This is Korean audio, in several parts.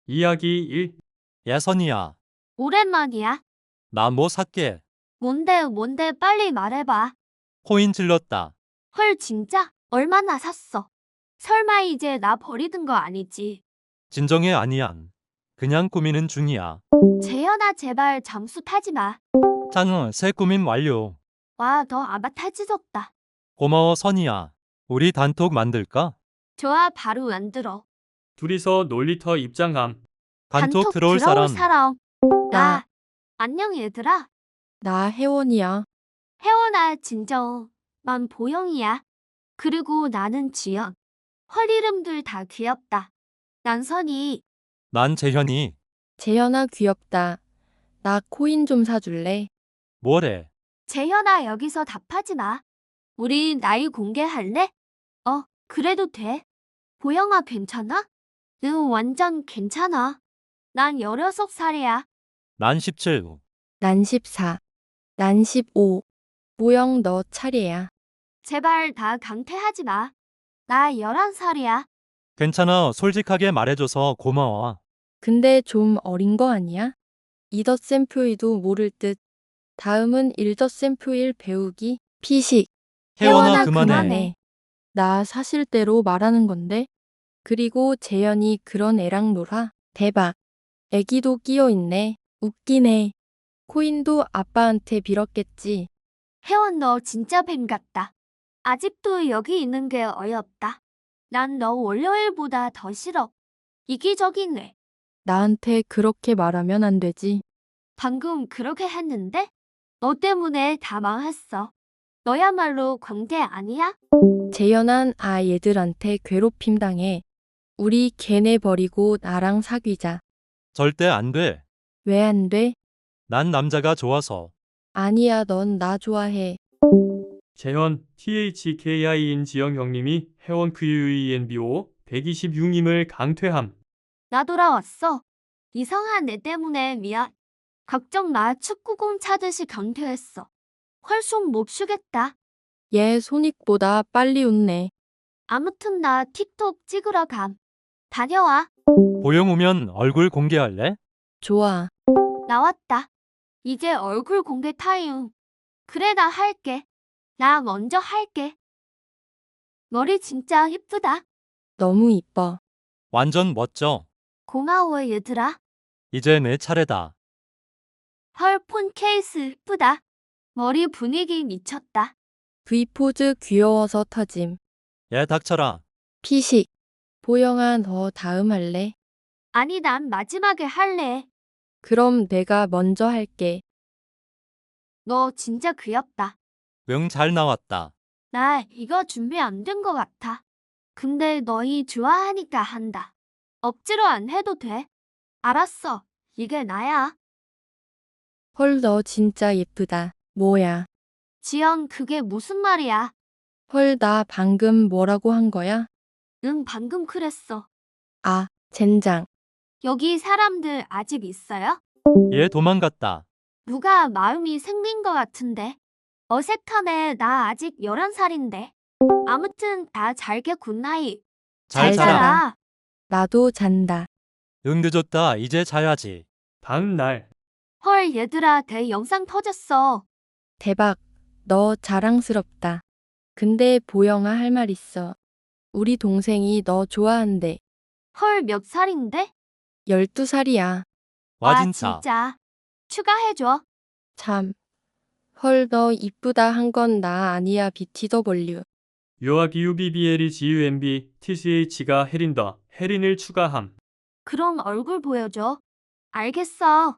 이야기 1. 야, 선이야. 오랜만이야. 나 뭐 살게. 뭔데 빨리 말해봐. 코인 질렀다. 헐 진짜? 얼마나 샀어? 설마 이제 나 버리는 거 아니지? 진정해 아니야. 그냥 꾸미는 중이야. 재현아 제발 잠수 타지 마. 짠, 새 꾸밈 완료. 와 너 아마 타지졌다. 고마워, 선이야. 우리 단톡 만들까? 좋아 바로 만들어. 둘이서 놀리터 입장함. 단톡 들어올 사람. 나. 안녕 얘들아. 나 혜원이야. 혜원아 진정. 난 보영이야. 그리고 나는 지연. 헐 이름들 다 귀엽다. 난 선이. 난 재현이. 재현아 귀엽다. 나 코인 좀 사줄래? 뭐래? 재현아 여기서 답하지 마. 우리 나이 공개할래? 그래도 돼. 보영아 괜찮아? 응 완전 괜찮아. 난 16살이야. 난 17. 난 14. 난 15. 모영 너 차례야. 제발 다 강퇴하지 마. 나 11살이야. 괜찮아. 솔직하게 말해줘서 고마워. 근데 좀 어린 거 아니야? 이덧셈 표이도 모를 듯. 다음은 일덧셈 표일 배우기. 피식. 혜원아, 혜원아, 그만해. 나 사실대로 말하는 건데. 그리고 재현이 그런 애랑 놀아. 대박. 애기도 끼어 있네. 웃기네. 코인도 아빠한테 빌었겠지. 혜원 너 진짜 뱀 같다. 아직도 여기 있는 게 어이없다. 난 너 월요일보다 더 싫어. 이기적이네. 나한테 그렇게 말하면 안 되지. 방금 그렇게 했는데? 너 때문에 다 망했어. 너야말로 광대 아니야? 재현한 얘들한테 괴롭힘 당해. 우리 걔네 버리고 나랑 사귀자. 절대 안 돼. 왜 안 돼? 난 남자가 좋아서. 아니야, 넌 나 좋아해. 재현 THKI인 지영 형님이 혜원 VUENBO 126님을 강퇴함. 나 돌아왔어. 이상한 애 때문에 미안. 걱정 마. 축구공 차듯이 강퇴했어. 헐손 못 쉬겠다. 얘 소닉보다 빨리 웃네. 아무튼 나 틱톡 찍으러 감. 다녀와. 보영 오면 얼굴 공개할래? 좋아. 나왔다. 이제 얼굴 공개 타임. 그래 나 할게. 나 먼저 할게. 머리 진짜 예쁘다. 너무 이뻐. 완전 멋져. 고마워 얘들아. 이제 내 차례다. 헐 폰 케이스 예쁘다. 머리 분위기 미쳤다. V포즈 귀여워서 터짐. 얘 닥쳐라. 피식. 보영아, 너 다음 할래? 아니 난 마지막에 할래. 그럼 내가 먼저 할게. 너 진짜 귀엽다. 응, 잘 나왔다. 나 이거 준비 안 된 거 같아. 근데 너희 좋아하니까 한다. 억지로 안 해도 돼. 알았어. 이게 나야. 헐, 너 진짜 예쁘다. 뭐야? 지연 그게 무슨 말이야? 헐, 나 방금 뭐라고 한 거야? 응 방금 그랬어. 젠장. 여기 사람들 아직 있어요? 얘 도망갔다. 누가 마음이 생긴 거 같은데. 어색하네. 나 아직 11살인데. 아무튼 다 잘게 굿나잇. 잘 잘 자라. 자라. 나도 잔다. 응, 늦었다. 이제 자야지. 다음 날. 헐 얘들아 대 영상 터졌어. 대박. 너 자랑스럽다. 근데 보영아 할 말 있어. 우리 동생이 너 좋아한대. 헐 몇 살인데? 12살이야. 와, 진짜. 진짜. 추가해줘. 참. 헐, 너 이쁘다 한 건 나 아니야, BTW. 요아기유 BBL이 GUMB TCH가 혜린더 혜린을 추가함. 그럼 얼굴 보여줘. 알겠어.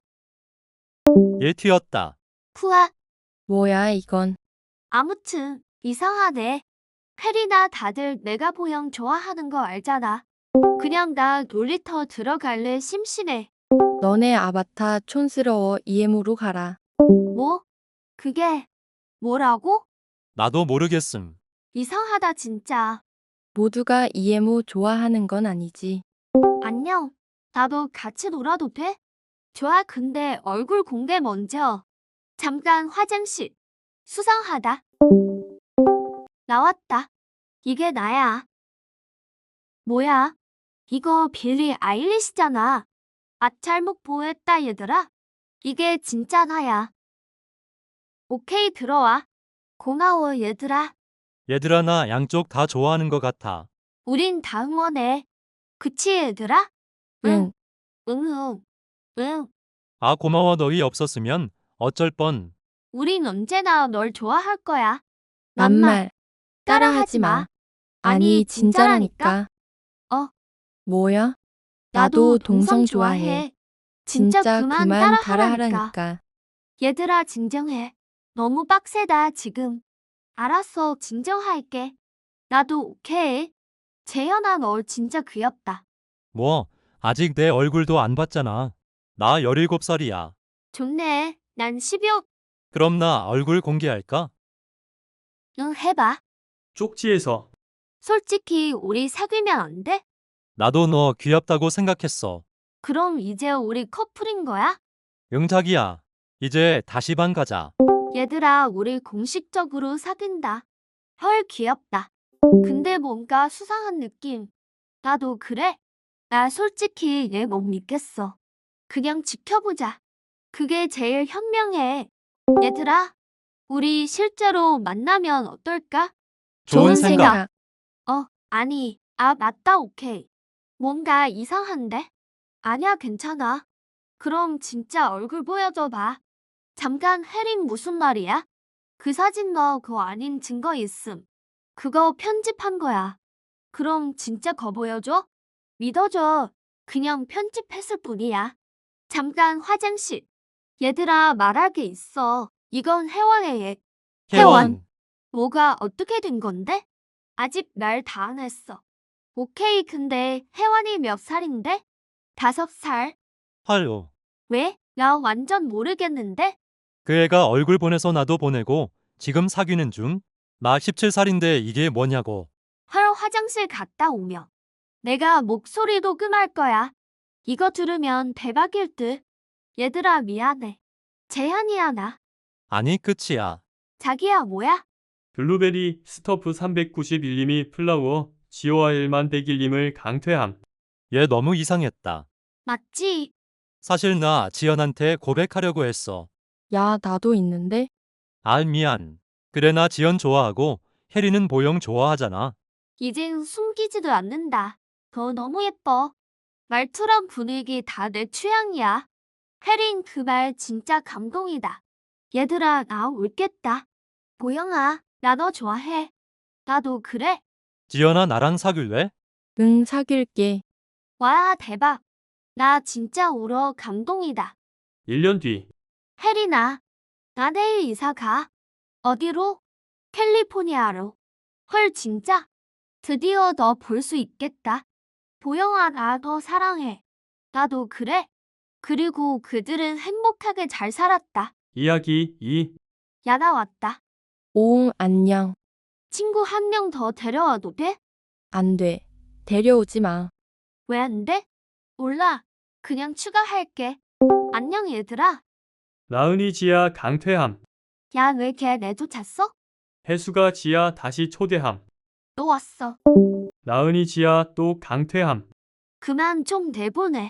얘 튀었다. 푸아. 뭐야, 이건. 아무튼 이상하네. 혜리나 다들 내가 보영 좋아하는 거 알잖아. 그냥 나 놀이터 들어갈래 심심해. 너네 아바타 촌스러워 EM으로 가라. 뭐? 그게 뭐라고? 나도 모르겠음. 이상하다 진짜. 모두가 EMO 좋아하는 건 아니지. 안녕. 나도 같이 놀아도 돼? 좋아 근데 얼굴 공개 먼저. 잠깐 화장실. 수상하다. 나왔다. 이게 나야. 뭐야? 이거 빌리 아일리시잖아. 잘못 보였다 얘들아. 이게 진짜 나야. 오케이 들어와. 고마워 얘들아. 얘들아 나 양쪽 다 좋아하는 것 같아. 우린 다 응원해. 그치 얘들아? 응. 응. 응. 아 고마워 너희 없었으면 어쩔 뻔. 우린 언제나 널 좋아할 거야. 낱말. 따라하지 마. 아니, 진짜라니까. 어. 뭐야? 나도 동성 좋아해. 진짜 그만 따라하라니까. 따라하라니까. 얘들아 진정해. 너무 빡세다 지금. 알았어 진정할게. 나도 오케이. 재현아 너 진짜 귀엽다. 뭐 아직 내 얼굴도 안 봤잖아. 나 17살이야. 좋네. 난 12호. 그럼 나 얼굴 공개할까? 응 해봐. 쪽지에서 솔직히 우리 사귀면 안 돼? 나도 너 귀엽다고 생각했어. 그럼 이제 우리 커플인 거야? 응 자기야. 이제 다시 반 가자. 얘들아 우리 공식적으로 사귄다. 헐 귀엽다. 근데 뭔가 수상한 느낌. 나도 그래? 나 솔직히 얘 못 믿겠어. 그냥 지켜보자. 그게 제일 현명해. 얘들아, 우리 실제로 만나면 어떨까? 좋은 생각. 아니, 맞다, 오케이. 뭔가 이상한데? 아니야, 괜찮아. 그럼 진짜 얼굴 보여줘 봐. 잠깐, 혜린 무슨 말이야? 그 사진 너 그거 아닌 증거 있음. 그거 편집한 거야. 그럼 진짜 거 보여줘? 믿어줘. 그냥 편집했을 뿐이야. 잠깐 화장실. 얘들아 말할 게 있어. 이건 혜원의 얘. 혜원. 뭐가 어떻게 된 건데? 아직 말 다 안 했어. 오케이 근데 혜원이 몇 살인데? 5살. 헐. 왜? 나 완전 모르겠는데? 그 애가 얼굴 보내서 나도 보내고 지금 사귀는 중. 나 17살인데 이게 뭐냐고. 헐 화장실 갔다 오며. 내가 목소리 녹음할 거야. 이거 들으면 대박일 듯. 얘들아 미안해. 재현이야 나. 아니 끝이야. 자기야 뭐야? 블루베리 스토프 391님이 플라워 GOR1만 101님을 강퇴함. 얘 너무 이상했다. 맞지? 사실 나 지연한테 고백하려고 했어. 야, 나도 있는데? 아 미안. 그래 나 지연 좋아하고 혜리는 보영 좋아하잖아. 이젠 숨기지도 않는다. 너 너무 예뻐. 말투랑 분위기 다 내 취향이야. 혜린 그 말 진짜 감동이다. 얘들아 나 울겠다. 보영아 나 너 좋아해. 나도 그래. 지연아 나랑 사귈래? 응, 사귈게. 와 대박. 나 진짜 울어 감동이다. 1년 뒤 혜린아 나 내일 이사 가. 어디로? 캘리포니아로. 헐 진짜? 드디어 너 볼 수 있겠다. 보영아 나 너 사랑해. 나도 그래. 그리고 그들은 행복하게 잘 살았다. 이야기 2 야나 왔다. 오응, 안녕. 친구 한 명 더 데려와도 돼? 안 돼. 데려오지 마. 왜 안 돼? 몰라. 그냥 추가할게. 안녕 얘들아. 나은이 지아 강퇴함. 야 왜 걔 내쫓았어? 해수가 지아 다시 초대함. 또 왔어. 나은이 지아 또 강퇴함. 그만 좀 내보내.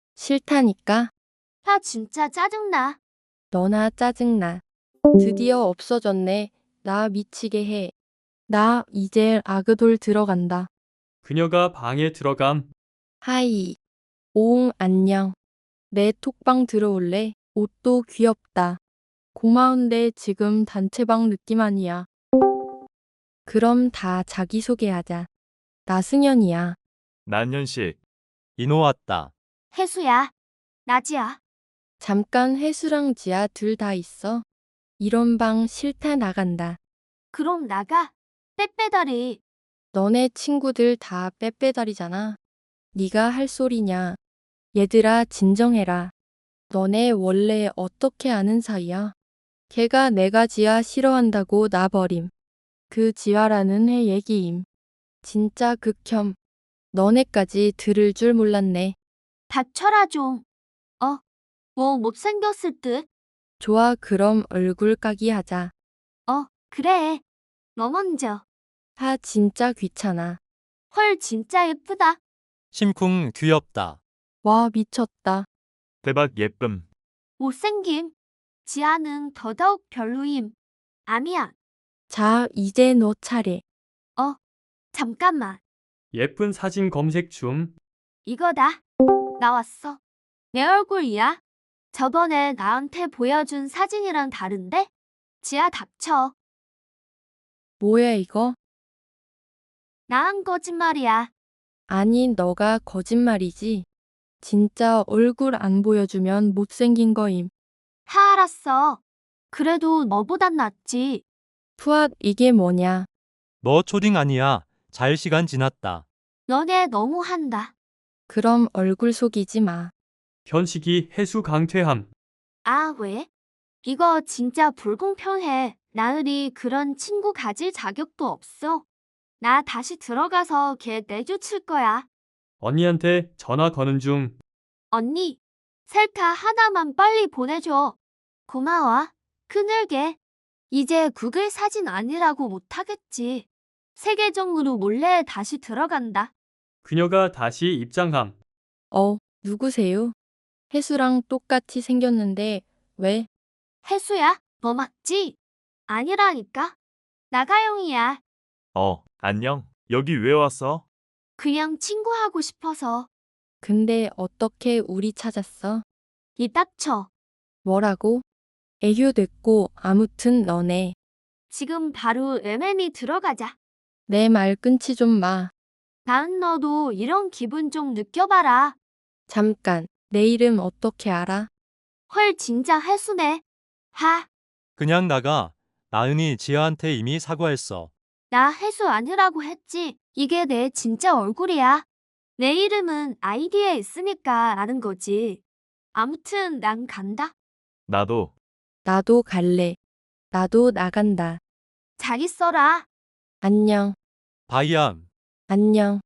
싫다니까. 나 진짜 짜증나. 너나 짜증나. 드디어 없어졌네. 나 미치게 해. 나 이제 아그돌 들어간다. 그녀가 방에 들어감. 하이. 오응, 안녕. 내 톡방 들어올래? 옷도 귀엽다. 고마운데 지금 단체방 느낌 아니야. 그럼 다 자기소개하자. 나 승현이야. 난현식. 인호 왔다. 혜수야. 나지야. 잠깐 혜수랑 지아 둘 다 있어. 이런 방 싫다 나간다. 그럼 나가. 빼빼다리. 너네 친구들 다 빼빼다리잖아. 네가 할 소리냐. 얘들아 진정해라. 너네 원래 어떻게 아는 사이야? 걔가 내가 지아 싫어한다고 나 버림. 그 지아라는 애 얘기임. 진짜 극혐. 너네까지 들을 줄 몰랐네. 닥쳐라 좀. 뭐 못생겼을 듯. 좋아 그럼 얼굴 까기 하자. 그래. 너 먼저. 하 진짜 귀찮아. 헐 진짜 예쁘다. 심쿵 귀엽다. 와 미쳤다. 대박 예쁨. 못생김. 지아는 더더욱 별로임. 아니야. 자, 이제 너 차례. 잠깐만. 예쁜 사진 검색 중. 이거다. 나왔어. 내 얼굴이야. 저번에 나한테 보여준 사진이랑 다른데? 지아 닥쳐. 뭐야 이거? 나한 거짓말이야. 아니, 너가 거짓말이지. 진짜 얼굴 안 보여주면 못생긴 거임. 다 알았어. 그래도 너보단 낫지. 푸앗, 이게 뭐냐? 너 초딩 아니야. 잘 시간 지났다. 너네 너무한다. 그럼 얼굴 속이지 마. 현식이 해수 강퇴함. 아, 왜? 이거 진짜 불공평해. 나으리 그런 친구 가질 자격도 없어. 나 다시 들어가서 걔 내쫓을 거야. 언니한테 전화 거는 중. 언니, 셀카 하나만 빨리 보내줘. 고마워. 그늘개. 이제 구글 사진 아니라고 못하겠지. 세 계정으로 몰래 다시 들어간다. 그녀가 다시 입장함. 누구세요? 혜수랑 똑같이 생겼는데 왜? 혜수야, 너 맞지? 아니라니까. 나가영이야. 안녕. 여기 왜 왔어? 그냥 친구하고 싶어서. 근데 어떻게 우리 찾았어? 이 닥쳐. 뭐라고? 애교 됐고 아무튼 너네. 지금 바로 MM이 들어가자. 내 말 끊지 좀 마. 나은 너도 이런 기분 좀 느껴봐라. 잠깐, 내 이름 어떻게 알아? 헐 진짜 혜수네. 하, 그냥 나가. 나은이 지아한테 이미 사과했어. 나 혜수 아니라고 했지. 이게 내 진짜 얼굴이야. 내 이름은 아이디에 있으니까 아는 거지. 아무튼 난 간다. 나도. 나도 갈래. 나도 나간다. 잘 있어라. 안녕. 바이암. 안녕.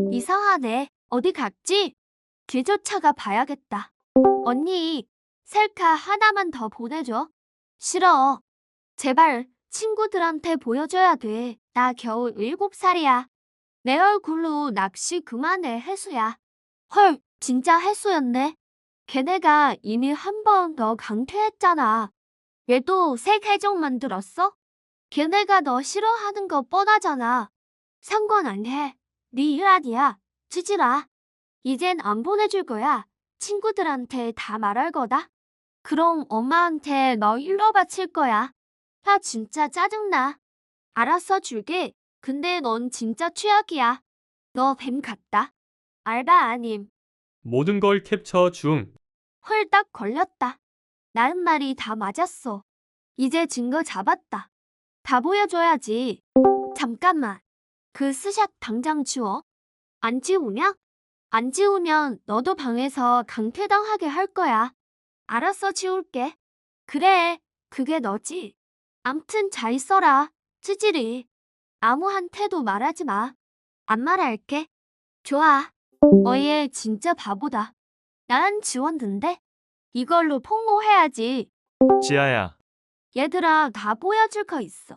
이상하네. 어디 갔지? 길 쫓아가 봐야겠다. 언니, 셀카 하나만 더 보내줘. 싫어. 제발 친구들한테 보여줘야 돼. 나 겨우 7살이야. 내 얼굴로 낚시 그만해, 혜수야. 헐, 진짜 혜수였네. 걔네가 이미 한 번 너 강퇴했잖아. 얘도 새 계정 만들었어? 걔네가 너 싫어하는 거 뻔하잖아. 상관 안 해. 네 일 아니야. 찌질아. 이젠 안 보내줄 거야. 친구들한테 다 말할 거다. 그럼 엄마한테 너 일러 바칠 거야. 나 진짜 짜증나. 알았어 줄게. 근데 넌 진짜 최악이야. 너 뱀 같다. 알바 아님. 모든 걸 캡처 중. 홀딱 걸렸다. 나은 말이 다 맞았어. 이제 증거 잡았다. 다 보여줘야지. 잠깐만. 그 스샷 당장 지워. 안 지우냐? 안 지우면 너도 방에서 강퇴당하게 할 거야. 알았어 지울게. 그래, 그게 너지. 암튼 잘 있어라. 찌질이. 아무한테도 말하지 마. 안 말할게. 좋아. 얘 진짜 바보다. 난 지웠는데? 이걸로 폭로해야지. 지아야. 얘들아, 다 보여줄 거 있어.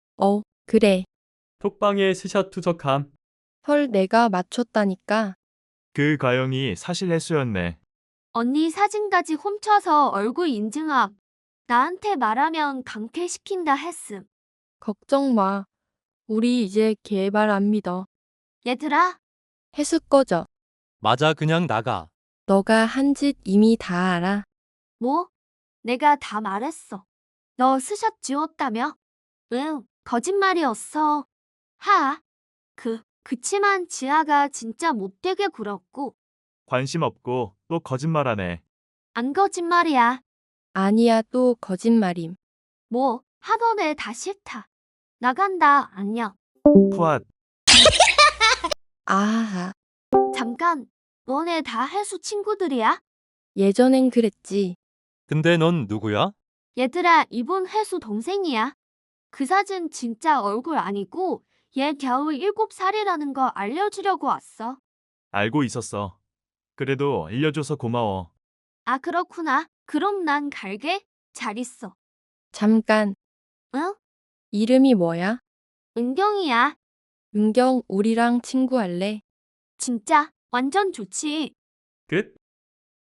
그래. 톡방에 스샷 투석함. 헐, 내가 맞췄다니까. 그 가영이 사실 혜수였네. 언니 사진까지 훔쳐서 얼굴 인증함. 나한테 말하면 강퇴시킨다 했음. 걱정 마. 우리 이제 걔 말 안 믿어. 얘들아, 혜수 꺼져. 맞아, 그냥 나가. 너가 한 짓 이미 다 알아. 뭐? 내가 다 말했어. 너 스샷 지웠다며? 응, 거짓말이었어. 그치만 지아가 진짜 못되게 굴었고, 관심 없고 또 거짓말하네. 안 거짓말이야. 아니야, 또 거짓말임. 뭐, 하던애 다 싫다. 나간다, 안녕. 푸앗. 아하, 잠깐, 너네 다 해수 친구들이야? 예전엔 그랬지. 근데 넌 누구야? 얘들아, 이분 해수 동생이야. 그 사진 진짜 얼굴 아니고 얘 겨우 7살이라는 거 알려주려고 왔어. 알고 있었어. 그래도 알려줘서 고마워. 아, 그렇구나. 그럼 난 갈게. 잘 있어. 잠깐, 응? 이름이 뭐야? 은경이야. 은경, 우리랑 친구할래? 진짜 완전 좋지. 끝.